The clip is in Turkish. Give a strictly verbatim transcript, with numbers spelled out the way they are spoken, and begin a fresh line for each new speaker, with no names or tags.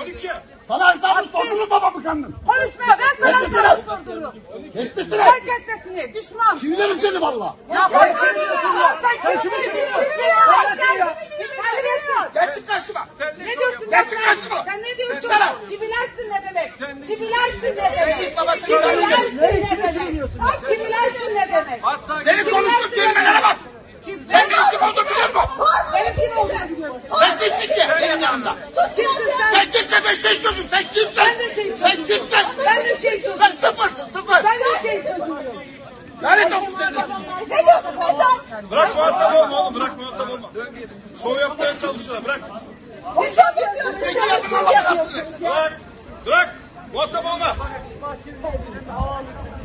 gördük ya.
Sana hesabını sordururum babamı kandın.
Konuşma, ben sana hesabını sordururum.
Kesmişsin.
Sen kes sesini, düşman.
Çivilerim seni valla.
Ya sen kimi diyorsun ya? Sen kimi diyorsun?
Gel çık karşıma.
Ne diyorsun?
Gel çık karşıma.
Sen ne diyorsun?
Çıksana.
Çivilersin ne demek? Çivilersin ne demek?
babasını
Çivilersin ne demek? Çivilersin ne demek?
Senin konuştuğun kelimelere bak. Sen benim kim olduğumu biliyor musun?
Benim kim olduğunu biliyorsun.
Sen kimsin ki benim yanımda?
Sus kimsin sen?
Sen kimsin ben şey çocuğum. Sen kimsin?
Ben de şey
Sen
çocuğum.
kimsin?
Ben de şey çocuğum.
Sen sıfırsın sıfır.
Ben de şey çocuğum.
Lanet olsun senin.
Ne diyorsun be sen?
Bırak muhatap olma oğlum, bırak muhatap olma. Şov yapmaya çalışıyorlar, bırak.
Siz şov yapıyorsunuz.
Peki yapın Allah belasını versin.
Bırak, bırak. Muhatap olma.